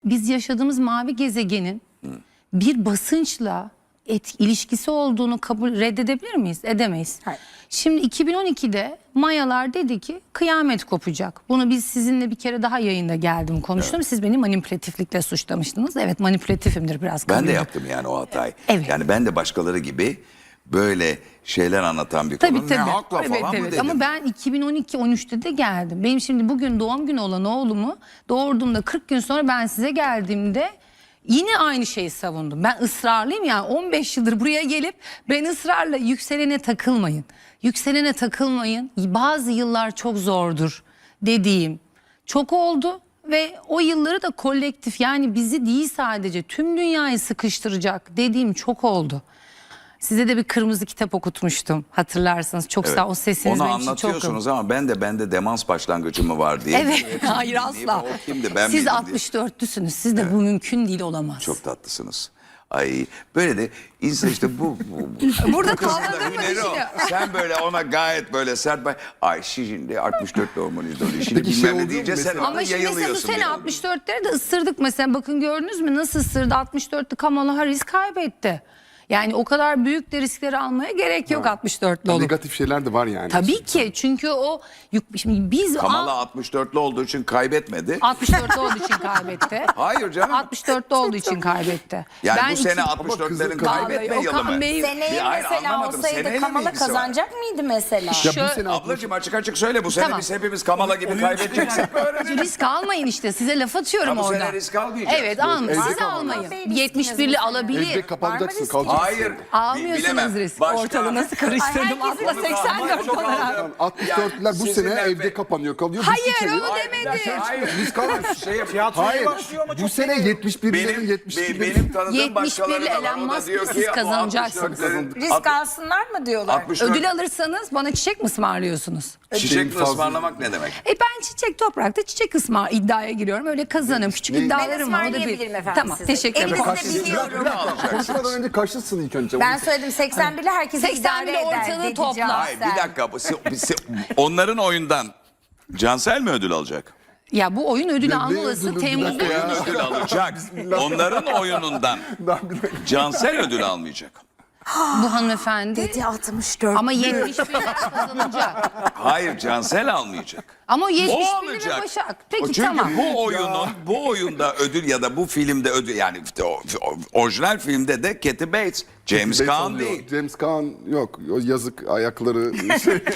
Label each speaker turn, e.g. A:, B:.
A: biz yaşadığımız mavi gezegenin bir basınçla ilişkisi olduğunu reddedebilir miyiz? Edemeyiz.
B: Hayır.
A: Şimdi 2012'de Mayalar dedi ki kıyamet kopacak. Bunu biz sizinle bir kere daha yayında geldim konuştum. Evet. Siz beni manipülatiflikle suçlamıştınız. Evet, manipülatifimdir biraz.
C: Ben de yaptım yani o hatayı.
A: Evet.
C: Yani ben de başkaları gibi böyle şeyler anlatan bir konu. Ne hakla
A: evet,
C: falan mı dedim.
A: Ama ben 2012-13'te de geldim. Benim şimdi bugün doğum günü olan oğlumu doğurduğumda 40 gün sonra ben size geldiğimde yine aynı şeyi savundum. Ben ısrarlıyım yani 15 yıldır buraya gelip ben ısrarla yükselene takılmayın. Yükselene takılmayın. Bazı yıllar çok zordur dediğim çok oldu. Ve o yılları da kolektif, yani bizi değil sadece tüm dünyayı sıkıştıracak dediğim çok oldu. Size de bir kırmızı kitap okutmuştum hatırlarsanız. Çok
C: Evet.
A: sağ o sesiniz
C: Onu
A: benim için çok.
C: anlatıyorsunuz ama bende demans başlangıcı mı var diye.
A: Evet, hayır asla.
C: O kimdi, ben
A: Siz
C: miydim diye.
A: 64'lüsünüz. Siz de bu mümkün değil, olamaz.
C: Çok tatlısınız. Ay böyle de insan işte bu
A: Burada
C: bu kızın da
A: kaldırma
C: hüneri o.
A: işini.
C: Sen böyle ona gayet böyle sert ay şimdi 64 hormonist oluyor. Şimdi
D: Peki şey
C: bilmem ne
D: oluyor mu
C: diyeceğiz sen
D: mesela?
C: orada
A: Ama şimdi mesela bu
C: yayılıyorsun.
A: sene
C: bir.
A: 64'leri de ısırdık mesela. Bakın gördünüz mü nasıl ısırdı? 64'lü Kamala Harris kaybetti. Yani o kadar büyük de riskleri almaya gerek yok 64'lü olup.
D: Negatif şeyler de var yani.
A: Tabii ki, çünkü o şimdi biz
C: Kamala 64'lü olduğu için kaybetmedi.
A: 64'lü olduğu için kaybetti.
C: Hayır canım.
A: 64'lü olduğu için kaybetti.
C: Yani
A: ben
C: bu sene
A: iki-
C: 64'lerin
D: Vallahi
C: kaybetme
A: Okan
C: yılı mı?
A: Bey-
B: Seneye
C: Hayır,
B: mesela
C: anlamadım.
B: olsaydı
C: Seneyle mi
B: Kamala
C: ilgisi var?
B: kazanacak mıydı mesela?
D: Ya bu sene
C: Ablacığım açık söyle bu sene
A: Tamam.
C: biz hepimiz Kamala gibi kaybedeceksek
A: risk almayın işte, size laf atıyorum
C: Ha, bu
A: orada.
C: sene risk almayacağız.
A: Evet,
C: Yok,
A: almayın.
D: evde
A: Siz
D: kalın.
A: almayın.
B: Bey riskiniz
A: 71'li
B: mesela.
A: alabilir.
D: evde kapanacaksın,
B: risk?
D: kalacaksın.
C: Hayır.
A: Almıyorsunuz
C: bilemem.
A: risk.
C: Başka-
A: Ortalığı nasıl karıştırdım?
B: Herkesin
A: Atla
B: bir
A: 84
C: Çok
A: olarak.
C: aldım.
D: 64'ler bu
C: Sizinle
D: sene evde
C: be-
D: kapanıyor kalıyor.
A: Hayır,
D: Bir sene-
A: onu demedim.
C: Hayır.
D: Risk almıyor.
C: Hayır.
D: Hayır. Bu sene 71'lerin 72'lerin.
C: Benim tanıdığım
A: 71'li
C: başkaları da var.
A: Elon
C: O da
A: Musk
C: diyor
A: siz
C: ki o
A: kazanacaksınız.
C: 64'lerin
B: Risk alsınlar mı diyorlar?
C: 64
A: Ödül alırsanız bana çiçek mi ısmarlıyorsunuz?
C: çiçek mi
D: fazla-
C: ısmarlamak ne demek?
A: Ben çiçek toprakta çiçek iddiaya giriyorum. Öyle kazanırım. Küçük
D: Ne?
A: iddialarım var. O da
B: ısmarlayabilirim efendim
A: Tamam,
B: size.
A: teşekkür ederim.
B: Elinizde biliyorum.
D: Konuşmadan önce kaçlısın ilk önce.
B: Ben söyledim 81'li herkes
A: 81'li
B: idare eder.
A: ortalığı
B: dedi
A: topla.
B: Cansel.
C: Hayır bir dakika. Onların oyundan Cansel mi ödül alacak?
A: Ya bu oyun ödülü
D: Ne
A: alma olası
D: ödülü? Bir
A: Temmuz'da.
D: dakika ya.
C: Ödül alacak. Onların oyunundan Cansel ödül almayacak.
A: Bu hanımefendi.
B: Dedi 64.
A: Ama 71'li kazanacak.
C: Hayır Cansel almayacak.
A: Ama o
C: O
A: 71'li
C: alacak.
A: ve Başak.
C: O
A: Peki
C: çünkü
A: tamam.
C: bu oyunda ödül ya da bu filmde ödül yani işte o orijinal filmde de Kathy Bates, James Caan değil.
D: James Caan yok. O yazık ayakları.